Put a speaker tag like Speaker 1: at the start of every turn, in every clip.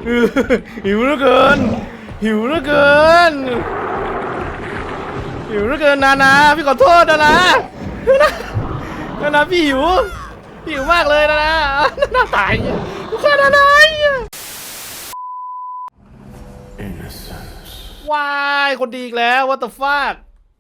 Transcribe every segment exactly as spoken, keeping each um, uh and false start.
Speaker 1: หิวเหลือเกินหิวเหลือเกินหิวเหลือเกินนานาพี่ขอโทษนานานานาพี่หิวพี่หิวมากเลยนานานานาตายกูฆ่านานาว้ายคนดีอีกแล้ว what the fuck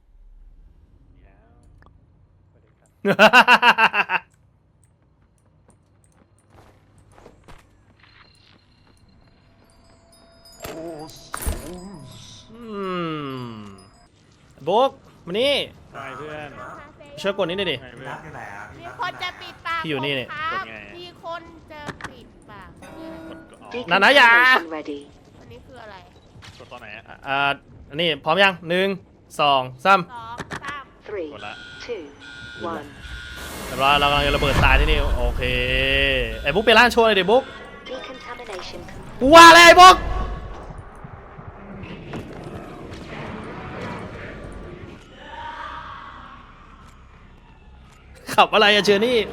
Speaker 1: บุ๊กมานี่เพื่อนช่วยกดนี้หน่อยดิ
Speaker 2: มีคนจะปิดปาก
Speaker 1: พี่อยู่นี่เนี่ย
Speaker 2: ครับมีคนจะปิดปาก
Speaker 1: นานาอย่า
Speaker 2: อันนี้คืออะไร
Speaker 3: กดตอนไหนอ่ะ
Speaker 1: อ่าอันนี้พร้อมยังหนึ่งสองสาม
Speaker 2: สองสาม
Speaker 3: กดละ
Speaker 1: แต่ว่าเรากำลังจะระเบิดตายที่นี่โอเคไอ้บุ๊กไปล่างโชว์เลยดิบุ๊กกูว่าเลยไอ้บุ๊กขับอะไรอะเชอร์นี่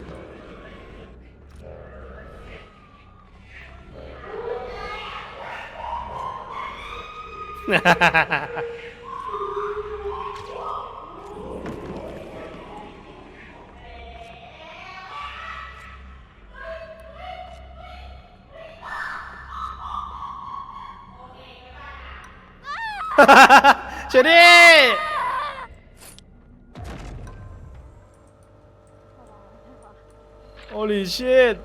Speaker 1: เชอร์นี่โอลิชิต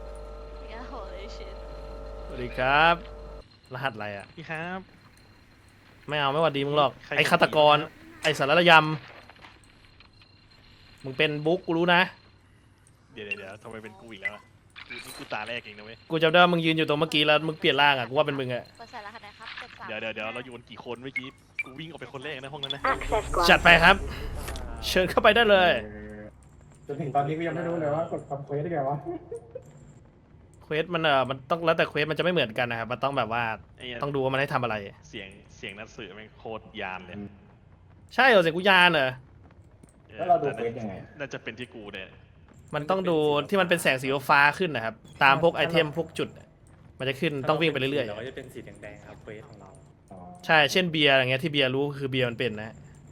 Speaker 1: สวัสดีครับรหัสอะไรอ่ะ
Speaker 3: พี่ครับ
Speaker 1: ไม่เอาไม่หวัดดีมึงหรอกไอ้ฆาตกรไอ้สารยำมึงเป็นบุ๊กกูรู้นะ
Speaker 3: เดี๋ยวเดี๋ยวทำไมเป็นกูอีกแล้วอ่ะกูนี่กูตาแรกเองนะเว้ย
Speaker 1: กูจำได้ว่ามึงยืนอยู่ตรงเมื่อกี้แล้วมึงเปลี่ยนร่างอ่ะกูว่าเป็นมึงอ่ะ
Speaker 3: เดี๋ยวเดี๋ยวเดี๋ยวเราอยู่กันกี่คนเมื่อกี้กูวิ่งออกไปคนแรกในห้องนั้นนะ
Speaker 1: จัดไปครับเชิญเข้าไปได้เลย
Speaker 4: จนถึงตอนนี้ก็ยังไม่รู้เลยว่ากดทำเควสได้ไงวะ
Speaker 1: เควสมันเออมันต้องแล้วแต่เควสมันจะไม่เหมือนกันนะครับมันต้องแบบว่าต้องดูว่ามันให้ทำอะไร
Speaker 3: เสียงเสียงนักสืบมันโคตรยานเลย
Speaker 1: ใช่เหรอเสียงกูยานเหรอ
Speaker 4: แล้วเราดูเควสยังไง
Speaker 3: น่าจะเป็นที่กูเนี่ย
Speaker 1: มันต้องดูที่มันเป็นแสงสีฟ้าขึ้นนะครับตามพวกไอเทมพวกจุดมันจะขึ้นต้องวิ่งไปเรื่อยๆ
Speaker 5: เราก็จะเป็นสีแดงๆครับเควสของเรา
Speaker 1: ใช่เช่นเบียร์อย่างเงี้ยที่เบียร์รู้คือเบียร์มันเป็นนะ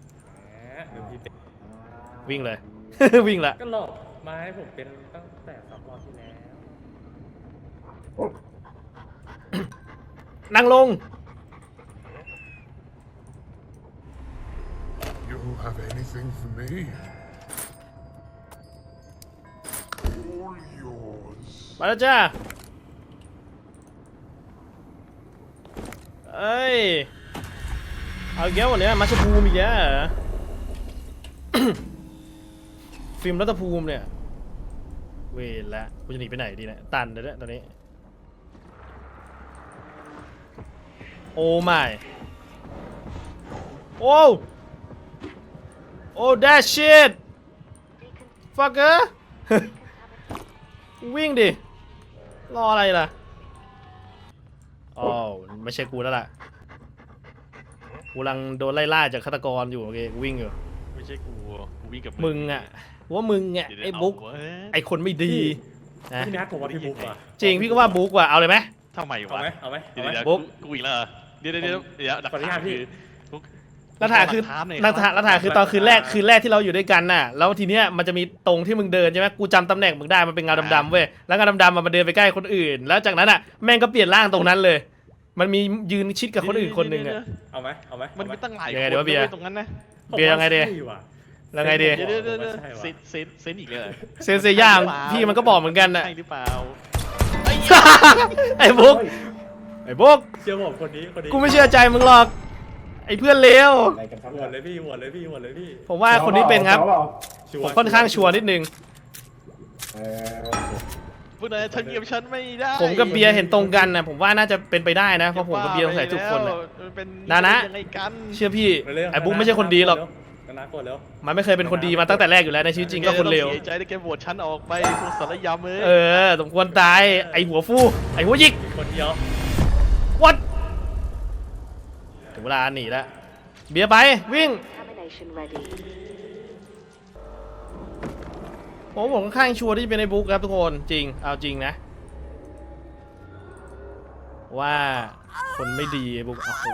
Speaker 1: วิ่งเลย วิ่งละ
Speaker 5: ก็หลอกมาให้ผมเป็นตั้งแต่สองรอบที่แล้ว
Speaker 1: นั่งลง
Speaker 6: You have anything for me? All yours.
Speaker 1: มาแล้วจ้าเอ้ยเอาแก้ววันนี้มาชภูมิอีกแล้วฟิล์มรัตภูมิเนี่ยเวรละกูจะหนีไปไหนดีนะตันเลยเนี่ยตอนนี้โอ้ไม่โอ้โอ้ that shit fucker วิ่งดิรออะไรล่ะอ๋อไม่ใช่กูแล้วล่ะกูกำลังโดนไล่ล่าจากฆาตกรอยู่โอเคกูวิ่งอยู่
Speaker 3: ไม่ใช่กูกูวิ่งกับ
Speaker 1: มึงอ่ะว่ามึงอ่ะไอ้บุ๊กไอ้คนไม่ดี
Speaker 5: นะพี่นัทผมว่าพี่บุ๊กว่ะ
Speaker 1: จริงพี่ก็ว่าบุ๊กว่ะเอาเลยไหม
Speaker 3: ทำไมวะ
Speaker 5: เอาไหมเอาไหม
Speaker 3: เดี๋ยวบุ๊กกูอีกแล้วเดี๋ยวเดี๋ยวเดี๋ยวเดี๋ยว
Speaker 5: ขออนุญาตพี่
Speaker 1: รัฐาคือรัฐารัฐาคือตอนคืนแรกคืนแรกที่เราอยู่ด้วยกันน่ะแล้วทีเนี้ยมันจะมีตรงที่มึงเดินใช่ไหมกูจำตำแหน่งมึงได้มันเป็นเงาดำๆเว้ยแล้วเงาดำๆมันเดินไปใกล้คนอื่นแล้วจากนั้นอ่ะแม่งก็เปลี่ยนร่างตรงนั้นเลยมันมียืนชิดกับคนอื่นคนหนึ่งอ่ะ
Speaker 5: เอาไหมเอาไหม
Speaker 3: มันมีตั้งหลายคนตรงนั้นนะ
Speaker 1: เบียร์ยังไงดียังไงดี
Speaker 3: เดี๋ยวเดี๋ยวเซนเซนเซนอีกเลย
Speaker 1: เซนเซย่างพี่มันก็บอกเหมือนกันน่ะ
Speaker 3: ใช่หรือเปล่า
Speaker 1: ไอ้บุ๊กไอ้บุ๊ก
Speaker 5: เชื่อผมคนนี้คนนี้
Speaker 1: กูไม่เชื่อใจมึงหรอกไอ้เพื่อนเลว
Speaker 5: โหวตเลยพี่โหวตเลยพี่โหวตเลยพี่
Speaker 1: ผมว่าคนนี้เป็นครับผมค่อนข้างชัวร์นิดนึง
Speaker 3: พวกนายทำเกียบฉันไม่ได้
Speaker 1: ผมกับเบียร์เห็นตรงกันนะผมว่าน่าจะเป็นไปได้นะเพราะผมกับเบียร์ใส่ทุกคนนะนานะเชื่อพี่ไอ้บุ๊กไม่ใช่คนดีหรอกมันไม่เคยเป็นคนดีมาตั้งแต่แรกอยู่แล้วในชีวิตจริงก็คนเลว
Speaker 3: ใจได้แกโหวตฉันออกไปพวกสารยำเลย
Speaker 1: เออสมควรตายไอ้หัวฟูไอ้หัวยิก
Speaker 5: คนเดียว
Speaker 1: วัดถึงเวลาหนีแล้วเบียร์ไปวิ่งผมผมค่อนข้างชัวร์ที่เป็นไอ้บุ๊กครับทุกคนจริงเอาจริงนะว่าคนไม่ดีบุกโอ้โห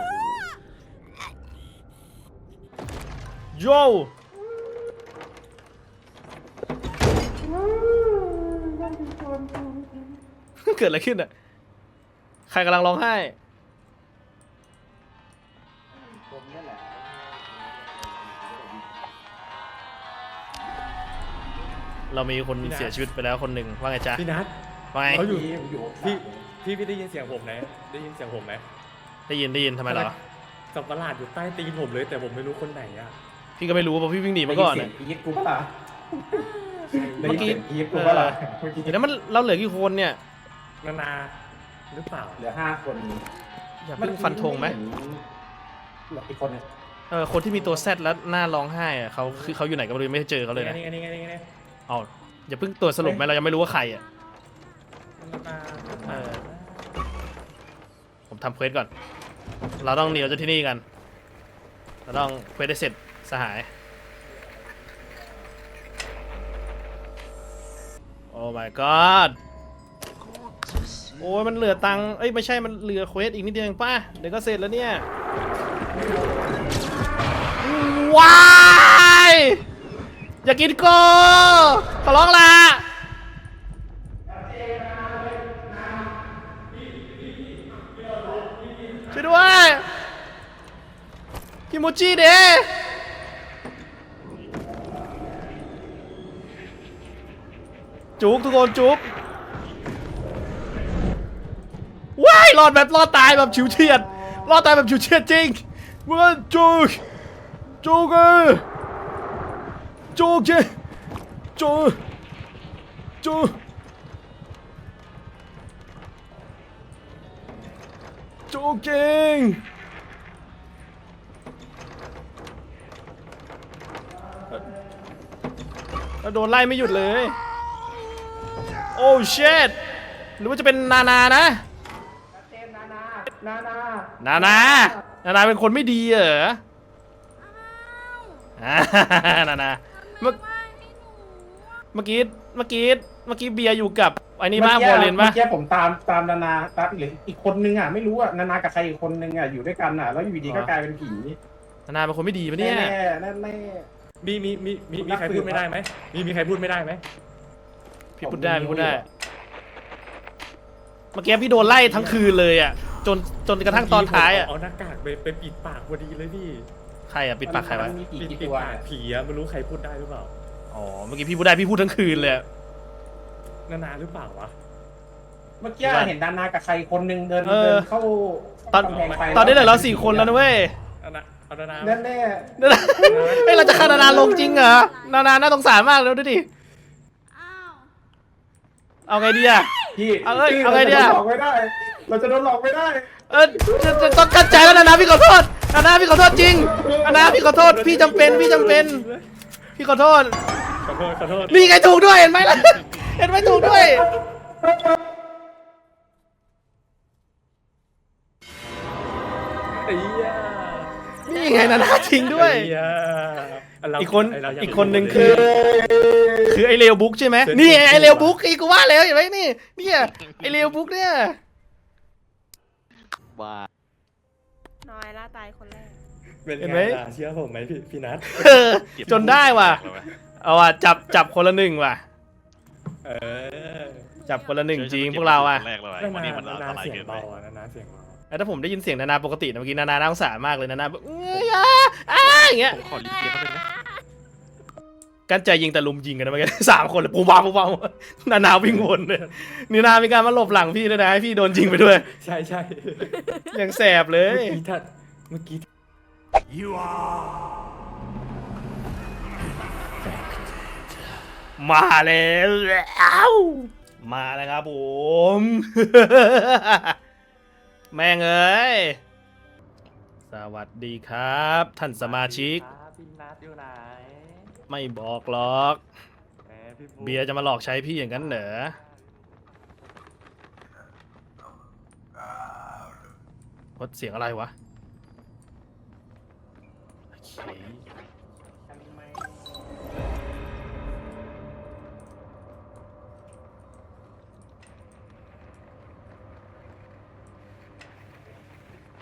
Speaker 1: โย เกิดอะไรขึ้นอ่ะใครกำลังร้องไห้เรามีคนเสียชีวิตไปแล้วคนหนึ่งว่าไงจ๊ะ
Speaker 5: พี่นัท
Speaker 1: ว่าไง
Speaker 5: เขาอยู่
Speaker 4: อยู่
Speaker 5: พี่พี่พี่ได้ยินเสียงผมไหมได้ยินเสียงผมไหม
Speaker 1: ได้ยินได้ยินทำไมเหรอ
Speaker 5: สับประหลาดอยู่ใต้ตีนผมเลยแต่ผมไม่รู้คนไหนอ่ะ
Speaker 1: พี่ก็ไม่รู้เพราะพี่วิ่งหนีมาก่อน
Speaker 4: ได้
Speaker 1: อะ
Speaker 4: ยินเสียงอีทกูปะล่ะ
Speaker 1: เมื่อกี้
Speaker 4: ได้ยินเสียงอีทกูปะล่ะเมื่อกี้
Speaker 1: เดี๋ยวนั้นมันเราเหลือกี่คนเนี่ย
Speaker 5: นานาหรือเปล่า
Speaker 4: เหลือห้าคน
Speaker 1: อย่าเพิ่งฟันธงไหม
Speaker 4: เหลืออีกคนนึง
Speaker 1: เออคนที่มีตัวแซดแล้วหน้าร้องไห้อะเขาคือเขาอยู่ไหนก็ไม่รู้ไม่เจอเขาเลยนะ
Speaker 5: นี่ไงนี่ไงนี่ไงนี่ไง
Speaker 1: เอาอย่าเพิ่งตรวจสรุปไหมเรายังไม่รู้ว่าใครอ่ะ
Speaker 5: นานา
Speaker 1: เออ ผมทำเควสก่อน เราต้องหนีออกจากที่นี่กัน เราต้องเควสได้เสร็จสหาย โอ้ my god โอ้ยมันเหลือตังค์เอ้ยไม่ใช่มันเหลือเควสอีกนิดเดียวเองป่ะเดี๋ยวก็เสร็จแล้วเนี่ยว้ายอย่ากินโกขอร้องละช่วยด้วยคิโมจิเดจุกทุกคนจุกว้ายรอดแบบรอดตายแบบฉิวเฉียดรอดตายแบบฉิวเฉียดจริงมันจุกจุกเออจุกเจจุกจุกจุกจริงแล้วโดนไล่ไม่หยุดเลยโอ้เชดหรือว่าจะเป็นนานานะ
Speaker 4: นานานานา
Speaker 1: นานานานาเป็นคนไม่ดีเหรออ่านานาเมื่อเมื่อกี้เมื่อกี้เมื่อกี้เบียร์อยู่กับไอ้นี่บ้างโบเลนปะ
Speaker 4: เมื่อกี้ผมตามตามนานาตามหรืออีกคนนึงอ่ะไม่รู้อ่ะนานากับใครอีกคนนึงอ่ะอยู่ด้วยกันอ่ะแล้วอยู่ดีก็กลายเป็นผี
Speaker 1: นานาเป็นคนไม่ดีปะเนี่ย
Speaker 4: แน่แน่แน่
Speaker 5: มีมีมีมีมีใครพูดไม่ได้ไหมมีมีใครพูดไม่ได้ไหม
Speaker 1: พี่พูดได้พี่พูดได้เมื่อกี้พี่โดนไล่ทั้งคืนเลยอ่ะจนจนกระทั่งตอนท้ายอ่ะ
Speaker 5: เอาหน้ากากไปไปปิดปากพอดีเลยพี่
Speaker 1: ใครอ่ะปิดปากใครวะ
Speaker 4: มันมีผี
Speaker 5: ปิด
Speaker 4: กี่
Speaker 5: ปิด
Speaker 4: ตัว
Speaker 5: ปากผีอะไม่รู้ใครพูดได้หรือเปล่า
Speaker 1: อ๋อเมื่อกี้พี่พูดได้พี่พูดทั้งคืนเลยอะ
Speaker 5: นานาหรือเปล่าวะ
Speaker 4: เมื่อกี้เห็นนานากับใครคนนึงเดิน
Speaker 1: เออ
Speaker 4: เดินเข้า
Speaker 1: ตอน
Speaker 4: กำแพงไฟ
Speaker 1: ตอนนี้เหลือเราสี่คนแล้วนะเว้ย
Speaker 5: นานาเอานานา
Speaker 4: แน่แน่
Speaker 1: นานาเฮ้ยเราจะฆ่านานาลงจริงเหรอนานาน่าสงสารมากเลยดูดิ
Speaker 2: อ้าว
Speaker 1: เอาไงดีอะ
Speaker 4: พี่
Speaker 1: เอาเอ้ย
Speaker 4: พี่
Speaker 1: เอาไงดี
Speaker 4: เรา
Speaker 1: อะ
Speaker 4: จะโดนหลอกไม่ได้ เราจะโดนหลอกไม่ได้
Speaker 1: เออจะจะต้องกั้นใจแล้วนานาพี่ขอโทษนานาพี่ขอโทษจริงนานาพี่ขอโทษพี่จำเป็นพี่จำเป็นพี่ขอโทษ
Speaker 5: ขอโทษขอโทษ
Speaker 1: นี่ไงถูกด้วยเห็นไหมล่ะเห็นไหมถูกด้วย
Speaker 5: ไอ้เหี้ย
Speaker 1: นี่ไงนานาจริงด้วย
Speaker 5: ไอ้เหี้ยเรา
Speaker 1: อีกคน
Speaker 5: ไเรายัง
Speaker 1: อีกคนหนึ่งคือ คือไอเลวบุ๊กใช่ไหมนี่ไอเลวบุ๊กอีกูว่าแล้วเห็นไหมนี่เนี่ยไอเลวบุ๊กเนี่ย
Speaker 3: ว่า
Speaker 2: น้อยละตายคนแรก
Speaker 5: เป็น
Speaker 1: เห็น
Speaker 5: ไง
Speaker 1: ไหม
Speaker 5: ล่ะเชื่อผมไหมพี่พี่นัท
Speaker 1: เออจนได้ว่ะเอาว่ะจับจับคนละหนึ่งว่ะ
Speaker 5: เออ
Speaker 1: จับคนละหนึ่งจริงพวกเราอ่ะ
Speaker 3: แรกเลย
Speaker 5: นา
Speaker 3: วันนี้
Speaker 5: นา
Speaker 3: มันอัน
Speaker 5: นา
Speaker 3: ตราย
Speaker 5: เสียง
Speaker 3: เกินไป
Speaker 5: เบาอะนานาเสียงเบา
Speaker 1: แล้วถ้าผมได้ยินเสียงนานาปกตินะเมื่อกี้นานาน่าสงสารมากเลยนานาแบบเอ้ยอ่ะอ่ะอย่างเงี้ย
Speaker 3: ผมขอรีเกียร์เขาเป็นไหม
Speaker 1: กันใจยิงแต่ลุมยิงกันนะเมื่อกี้ สามคนเลยปูบ้าปูบ้านานาวิ่งวนเลยนี่นามีการมาหลบหลังพี่ด้วยนะให้พี่โดนยิงไปด้วย
Speaker 5: ใช่ใช่
Speaker 1: ยังแสบเลย
Speaker 5: เมื่อกี้ถ้าเมื่อกี้
Speaker 6: You are
Speaker 1: มาแล้วอ้าวมาแล้วครับผม แม่งเอ้ยสวัสดีครับ ท่านสมาชิก
Speaker 5: พี่นัทอยู่ไหน
Speaker 1: ไม่บอกหรอก
Speaker 5: แหมพี่บุ๊ค
Speaker 1: เบียร์จะมาหลอกใช้พี่อย่างนั้นเหรอวัดเสียงอะไรวะโอเค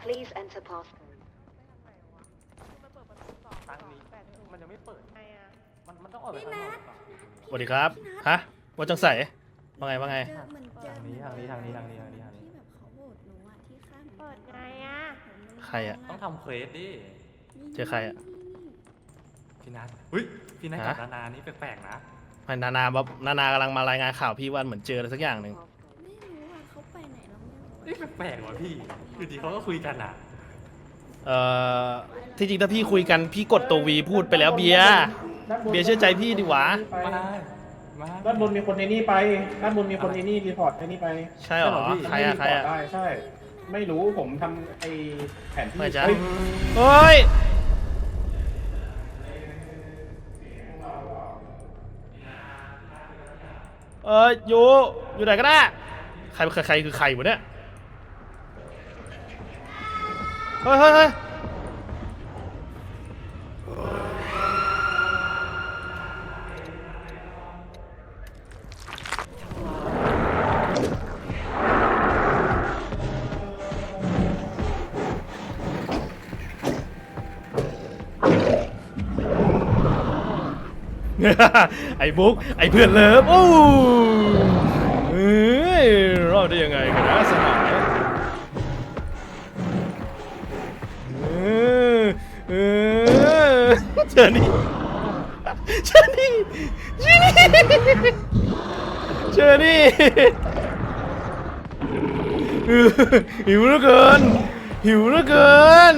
Speaker 7: Please enter passcode.
Speaker 2: ตังนี้มันยังไม่เปิดไงอ่ะ
Speaker 5: มันมันต้องออกไปข้างนอก
Speaker 1: สวัสดีครับฮะว่าจังใส่ว่าไงว่าไง
Speaker 8: เจอเหมือนเจอ
Speaker 5: ทางนี้ทางนี้ทางนี้ทางนี้ทางนี้ทางนี้
Speaker 8: ที่แบบเขาโหวตหนูอะที่ข้าง
Speaker 2: เปิดไงอ่ะ
Speaker 1: ใครอะ
Speaker 5: ต้องทำเควสดิ
Speaker 1: เจอใครอะ
Speaker 5: พี่นัทเฮ้ยพี่นัทกับ
Speaker 1: ฮะ
Speaker 5: นานานี่แปลกๆนะ
Speaker 1: ไม่นานาแบบนานากำลังมารายงานข่าวพี่ว่าเหมือนเจออะไรสักอย่างหนึ่ง
Speaker 8: ไม่รู้ว่าเขาไปไหนเราไม่รู้
Speaker 5: นี่แปลกๆว่ะพี่อยู่ดีเขาก็คุยกันอ่ะ
Speaker 1: เอ่อที่จริงถ้าพี่คุยกันพี่กดตัววีพูดไปแล้วเบียร์
Speaker 4: ด้านบน
Speaker 1: เบียร์เชื่อใจพี่ดิวะ
Speaker 5: มามา
Speaker 4: ด้านบนมีคนในนี่ไปด้านบนมีคนในนี่รีพอร์ตในนี่ไป
Speaker 1: ใช่เหรอใครอะใครอะ
Speaker 4: ได้ใช่ ไม่รู้ผมทำไอแผนที่
Speaker 1: ไม่จ๊ะ
Speaker 4: เฮ้ย
Speaker 1: เฮ้ยเอออยู่อยู่ไหนก็ได้ใครใครใครคือใครวะเนี่ยเฮ้ยเฮ้ยเฮ้ยไอ้บุ๊กไอ้เพื่อนเลิฟโอ้เฮ้ยรอดได้ยังไงกันนะสมัยเออเออเจอนี่เจอนี่เจอนี่เจอนี่เออหิวเหลือเกินหิวเหลือเกิน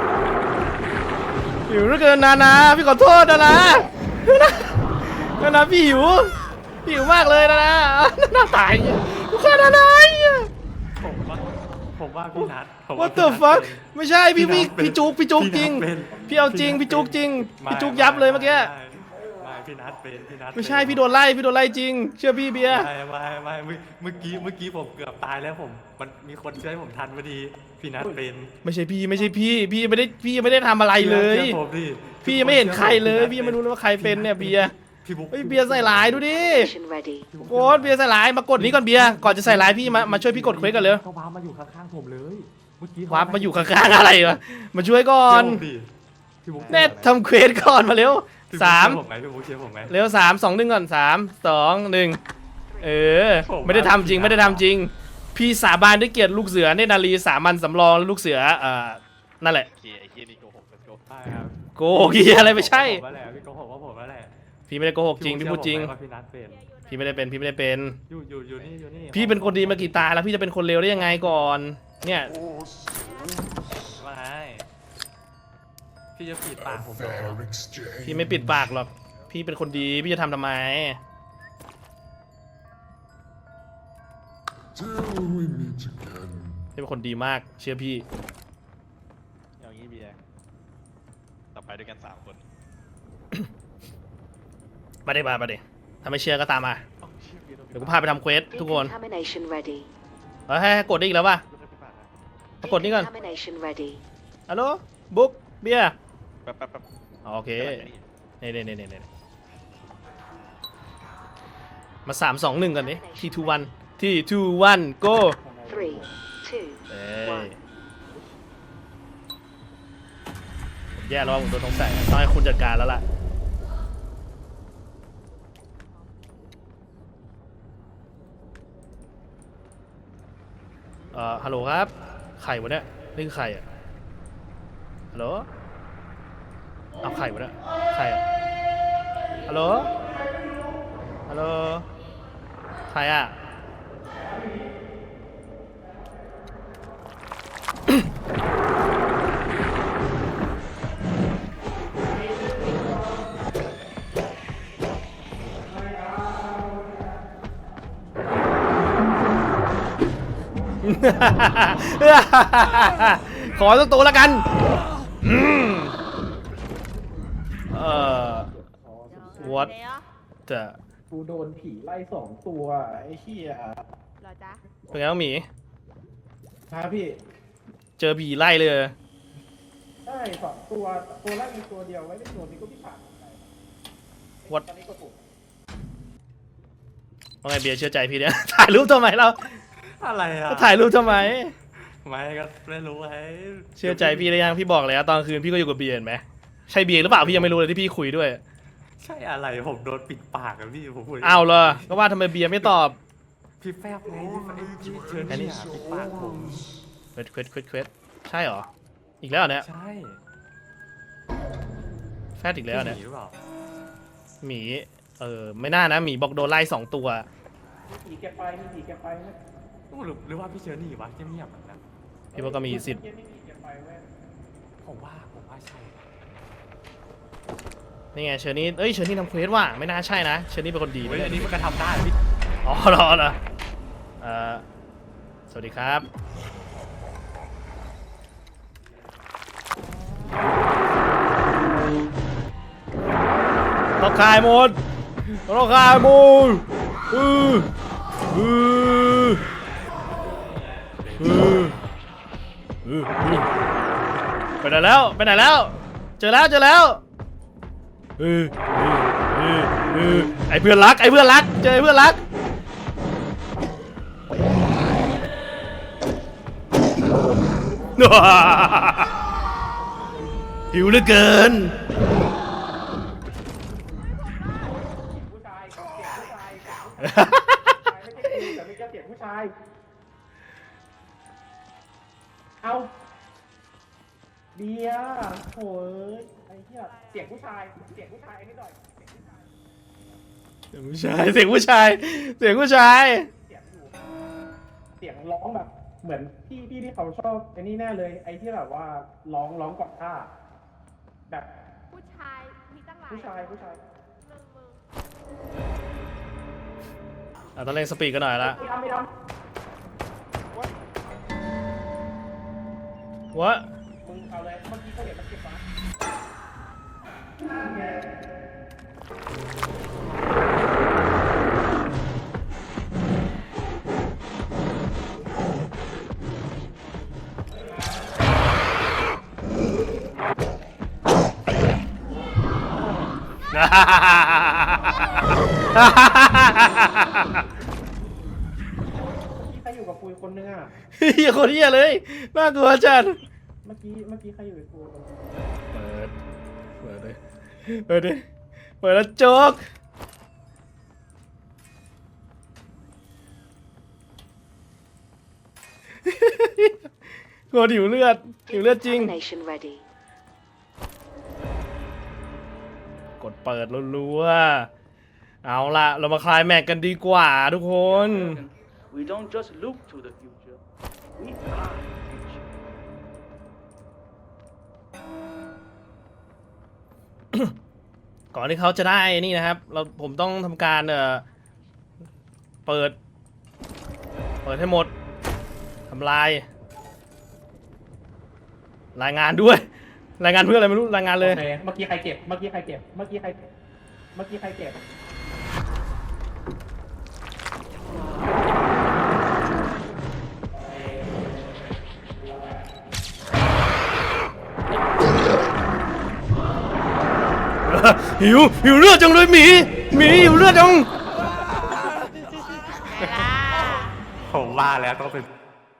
Speaker 1: หิวเหลือเกินนานาพี่ขอโทษนะนะนานาพี่หิวพี่หิวมากเลยนะนะนานาตายทุกคนนานา
Speaker 5: ผมว่าผมว่าพี่นัทผมว่า
Speaker 1: What the
Speaker 5: พี่นัท
Speaker 1: fuck
Speaker 5: เป็น
Speaker 1: ไม่ใช่พี่พี่
Speaker 5: พี่นัทเป็น
Speaker 1: พี่จุกพี่จุก
Speaker 5: พี่
Speaker 1: จริง
Speaker 5: นัทเป็น
Speaker 1: พี่เอาจริง
Speaker 5: พี่
Speaker 1: พี่
Speaker 5: นัท
Speaker 1: จุกจริง
Speaker 5: ไม่
Speaker 1: พี่จุกยับเลยเมื่อกี้
Speaker 5: ไม่ไม่พี่นัทเป็นพี่นัท
Speaker 1: ไม่ใช่
Speaker 5: เป็น
Speaker 1: พี่โดนไล่พี่โดนไล่จริง เชื่อพี่เบียร์
Speaker 5: ไม่ไม่ไม่เมื่อเมื่อกี้เมื่อกี้ผมเกือบตายแล้วผมมันมีคนช่วยผมทันพอดีพี่นัทเป็น
Speaker 1: ไม่ใช่พี่ไม่ใช่พี่พี่ไม่ได้พี่ไม่ได้ทำอะไรเลย
Speaker 5: ชื่อผมดิ
Speaker 1: พี่ยังไม่เห็นใครเลยพี่ยังไม่รู้เลยว่าใครเป็นเนี่ยเบียร์
Speaker 5: พี่บุ๊ค
Speaker 1: เฮ้ยเบียร์ใส่ร้ายดูดิ
Speaker 7: Mission ready.
Speaker 1: โค้ดเบียร์ใส่ร้ายมากดนี้ก่อนเบียร์ก่อนจะใส่ร้ายพี่มามาช่วยพี่กดเควสกันเลย
Speaker 5: เขาวาร์ปมาอยู่ข้างๆผมเลยเมื่อกี้
Speaker 1: วาร์ปมาอยู่ข้างๆอะไรวะมาช่วยก่อน
Speaker 5: พี่บุ๊ค
Speaker 1: แน่ทำเควสก่อนมาเร็ว
Speaker 5: พี่บุ๊ค
Speaker 1: สาม
Speaker 5: เชื่อผมไหมพี่บุ๊คเชื่อผมไหม
Speaker 1: เร็วสามสองหนึ่งก่อนสามสองหนึ่งเออ ไม่ได้ทำจริงไม่ได้ทำจริง พี่สาบานด้วยเกียรติลูกเสือเนตรนารีสามัญสำรองและลูกเสือเอ่อนั่นแหละ
Speaker 3: โอเคไอ้เฮียนี่โกหกโกหก
Speaker 5: ใช่ครับ
Speaker 1: โกหกเหี้ยอะไรไม่ใช่
Speaker 5: ผมว่าแหละพี่โกหกว่าผมว่าแหละ
Speaker 1: พี่ไม่ได้โกหกจริงพี่พูดจริง
Speaker 5: เชื่อผมไหมว่าพี่นัทเป็น
Speaker 1: พี่ไม่ได้เป็นพี่ไม่ได้เป็น
Speaker 5: อยู่อยู่อยู่นี่อยู่นี่
Speaker 1: พี่เป็นคนดีมากี่ตาแล้วพี่จะเป็นคนเลวได้ยังไงก่อน เนี่ย
Speaker 5: ว่าไงพี่จะปิดปากผมเหรอ
Speaker 6: Fair exchange.
Speaker 1: พี่ไม่ปิดปากหรอกพี่เป็นคนดีพี่จะทำทำไม
Speaker 6: Till we meet again.
Speaker 1: พี่เป็นคนดีมากเชื่อพี่
Speaker 3: อย่างนี้เบียร์ต่อไปด้วยกันสามคน
Speaker 1: มาได้มามาดิถ้าไม่เชื่อก็ตามมา
Speaker 3: เอ้าเชี่ยเบียร์โดน
Speaker 1: เดี๋ยวกูพาไปทำเควสทุกคน
Speaker 7: Decontamination ready.
Speaker 1: เฮ้ยให้ให้กดได้อีกแล้วป่ะ
Speaker 3: โดนไปปาดนะ
Speaker 1: มากดนี่ก่อน
Speaker 7: Decontamination ready.
Speaker 1: ฮัลโหลบุ๊กเบียร์
Speaker 3: แป๊บแป๊บแป๊บ
Speaker 1: อ๋อโอเค
Speaker 3: กำลังจะนี่
Speaker 1: เน่เน่เน่เน่มาสามสองหนึ่งกันดิทีทูวันทีทูวันโก้
Speaker 7: Three, two,
Speaker 1: เอ้ย
Speaker 7: one.
Speaker 1: ผมแย่แล้วว่าผมโดนสงสัยต้องให้คุณจัดการแล้วล่ะเอ่อฮัลโหลครับใครวะเนี่ยนี่คือใครอ่ะฮัลโหลเอาใครวะเนี่ยใครอ่ะฮัลโหลฮัลโหลใครอ่ะ ขอสักตัวละกันอืมเอ่อ What
Speaker 2: เดี๋ยว
Speaker 1: จะ
Speaker 4: กูโดนผีไล่สองตัวไอ้เหี้ย
Speaker 2: เหรอจ๊ะ
Speaker 1: เป็นไงบ้างหมี
Speaker 4: ครับพี่
Speaker 1: เจอผีไล่เลย
Speaker 4: ใช่สองตัวตัวแรกมีตัวเดียวไว้ในตัวนี้ก็พี่ผ่านไป
Speaker 1: What
Speaker 4: ตอนนี้ก็ถูก
Speaker 1: ว่าไงเบียร์เชื่อใจพี่เนี่ย ถ่ายรูปทำไมเรา
Speaker 5: อะไรอ่ะ
Speaker 1: ถ่ายรูปทำไม
Speaker 5: ผมไม่ก็ไม่รู้ไอ้
Speaker 1: เชื่อใจพี่ได้ยังพี่บอกแล้วตอนคืนพี่ก็อยู่กับเบียร์เห็นไหมใช่เบียร์หรือเปล่าพี่ยังไม่รู้เลยที่พี่คุยด้วย
Speaker 5: ใช่อะไรผมโดนปิดปากอะพี่ผมพูด
Speaker 1: อ้าวเหรอก็ว่าทำไมเบียร์ไม่ตอบ
Speaker 5: พี่แฟบไงพี่เชิญพี่อะปิดปากผม
Speaker 1: เควสเควสเควสเควสใช่เหรออีกแล้วเหรอเนี่ย
Speaker 5: ใช่
Speaker 1: แฟดอีกแล้วเนี่ย
Speaker 5: หนีหรือเปล่า
Speaker 1: หมีเออไม่น่านะหมีบอกโดนไล่สองตัว
Speaker 4: มีผีแกไปมีผีแกไปไหม
Speaker 5: หรือหรือว่าพี่เชิญหนีวะเงียบๆนะ
Speaker 1: พี่ว่าก็มีสิทธิ์
Speaker 4: เมื่อกี้มีผีแกไปเว้ย
Speaker 5: ผมว่าผมว่าใช่
Speaker 1: นี่ไงเชอร์นี่เอ้ยเชอร์นี่ทำเควสว่ะไม่น่าใช่นะเชอร์นี่เป็นคนดี
Speaker 5: เฮ้ย
Speaker 1: นะ
Speaker 5: อันนี้มันก็ทำได้พี่
Speaker 1: อ๋อเหรอเหรอเอ่อสวัสดีครับต้องคายหมดต้องคายหมดอืออืออืออือไปไหนแล้วไปไหนแล้วเจอแล้วเจอแล้วเออเออเออไอเพื่อนรักไอเพื่อนรักเจอไอเพื่อนรักหิวเหลือเกิน
Speaker 4: ผู้ชายเสียงผู้ชายเสียงผู้ชายไม่ใช่กูแต่ไม่ใช่เสียงผู้ชาย เอาเบียร์โถ่ไอ้เหี้ยเสียงผู้ชายเสียงผู้ชายนิดหน่อยเสียงผู้ชาย
Speaker 1: เสียงผู้ชายเสียงผู้ชายเสียงผู้ชาย
Speaker 4: เสียงอยู่เสียงร้องแบบ เหมือนพี่พี่ที่เขาชอบไอ้นี่แน่เลย ไอ้ที่แบบว่าร้องร้องก่อนท่าแบบ
Speaker 2: ผู้ชายมีตั้งหลาย
Speaker 4: ผู้ชายผู้ชาย
Speaker 2: หนึ่งมึง
Speaker 1: อ่ะต้องเล่นสปีดกันหน่อยละ
Speaker 4: ไม่ทำไม่ท
Speaker 1: วะ
Speaker 4: ำมึงเอาเลยเมื่อกี้เขาเห็นมันเก็บมา ใครอยู่กับกูอีกคนนึงอ่ะ
Speaker 1: เฮียโคตรเฮียเลยน่ากลัวจัด
Speaker 4: เมื่อกี้เมื่อกี้ใครอยู่กับกู
Speaker 1: เปิดเปิดเลยเปิดดิเปิดแล้วโจ๊กโคตรหิวเลือดหิวเลือดจริง
Speaker 7: Decontamination ready.
Speaker 1: กดเปิดรัวๆเอาล่ะเรามาคลายแม็กกันดีกว่าทุกคน
Speaker 9: We don't just look to the future. We are the future.
Speaker 1: ก่อนที่เขาจะได้นี่นะครับ เราผมต้องทำการเอ่อเปิด เปิดให้หมดทำลาย รายงานด้วย รายงานเพื่ออะไรไม่รู้รายงานเลย
Speaker 4: โอเคเมื่อกี้ใครเก็บ เมื่อกี้ใครเก็บ เมื่อกี้ใคร เมื่อกี้ใครเก็บ
Speaker 1: หิวหิวเลือดจังเลยหมีหมีหิวเลือดจัง
Speaker 2: ไงล่ะ
Speaker 5: ผมว่าแล้วต้องเป็น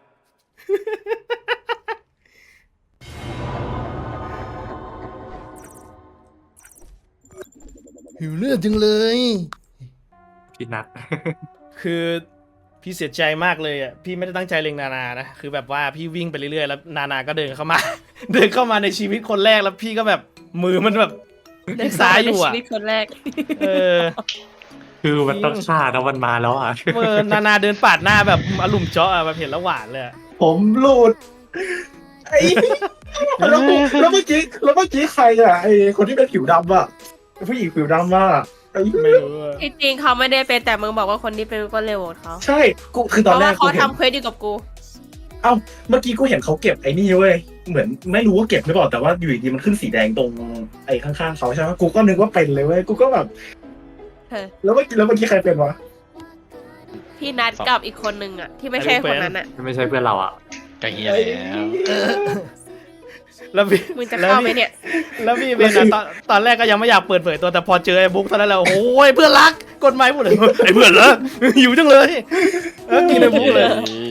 Speaker 1: หิวเลือดจังเลย
Speaker 5: พี่นัท
Speaker 1: คือพี่เสียใจมากเลยอ่ะพี่ไม่ได้ตั้งใจเล็งนานานะคือแบบว่าพี่วิ่งไปเรื่อยๆแล้วนานาก็เดินเข้ามา เดินเข้ามาในชีวิตคนแรกแล้วพี่ก็แบบมือมันแบบเล็กซ้ายอยู่อ่ะ
Speaker 10: ชีวิตคนแรก
Speaker 1: เออ
Speaker 5: คือมันต้องฆ่าแล้วมันมาแล้วอ่ะ
Speaker 1: เมื่อนานาเดินปาดหน้าแบบอารมณ์เจาะอะแบบเห็นแล้วหวานเลยอะ
Speaker 4: ผมหลุดไอ้แล้วกูแล้วเมื่อกี้แล้วเมื่อกี้ใครอ่ะไอ้คนที่เป็นผิวดำอ่ะผู้หญิงผิวดำอ่ะไอ้
Speaker 1: ไม่รู้อะ
Speaker 10: จริงๆเขาไม่ได้เป็นแต่มึงบอกว่าคนที่เป็นก็เร็วกว่าเขา
Speaker 4: ใช่กูคือ
Speaker 10: เพ
Speaker 4: ตอน
Speaker 10: ราะ
Speaker 4: แร
Speaker 10: ว่าก
Speaker 4: กู
Speaker 10: เขา
Speaker 4: เห็น
Speaker 10: ทำเควสอยู่กับกู
Speaker 4: เอ้าเมื่อกี้กูเห็นเขาเก็บไอ้นี่เว้ยเหมือนไม่รู้ว่าเก็บหรือเปล่าแต่ว่าอยู่ดีๆมันขึ้นสีแดงตรงไอ้ข้างๆเขาใช่ไหมกูก็นึกว่าเป็นเลยเว้ยกูก็แบบ
Speaker 10: เออ
Speaker 4: แล้วเมื่อกี้แล้วเมื่อกี้ใครเป็นวะ
Speaker 10: พี่นัดกับอีกคนนึงอ่ะ ที่ไม่ใช่คนนั้นอ่ะ
Speaker 5: ไม่ใช่เพื่อนเราอ่ะ
Speaker 3: ก็เฮียแล้ว
Speaker 1: แล้วพี่
Speaker 10: มึงจะเข้าไหมเนี่ย
Speaker 1: แล้วพี่เป็นอะตอนตอนแรกก็ยังไม่อยากเปิดเผยตัวแต่พอเจอไอ้บุ๊กเท่านั้นแหละโอ้ยเพื่อนรักกดไม้หมดเลยไอ้เพื่อนเหรอหิวจังเลยแล้วกินไอ้บุ๊กเลย
Speaker 3: เฮ้ย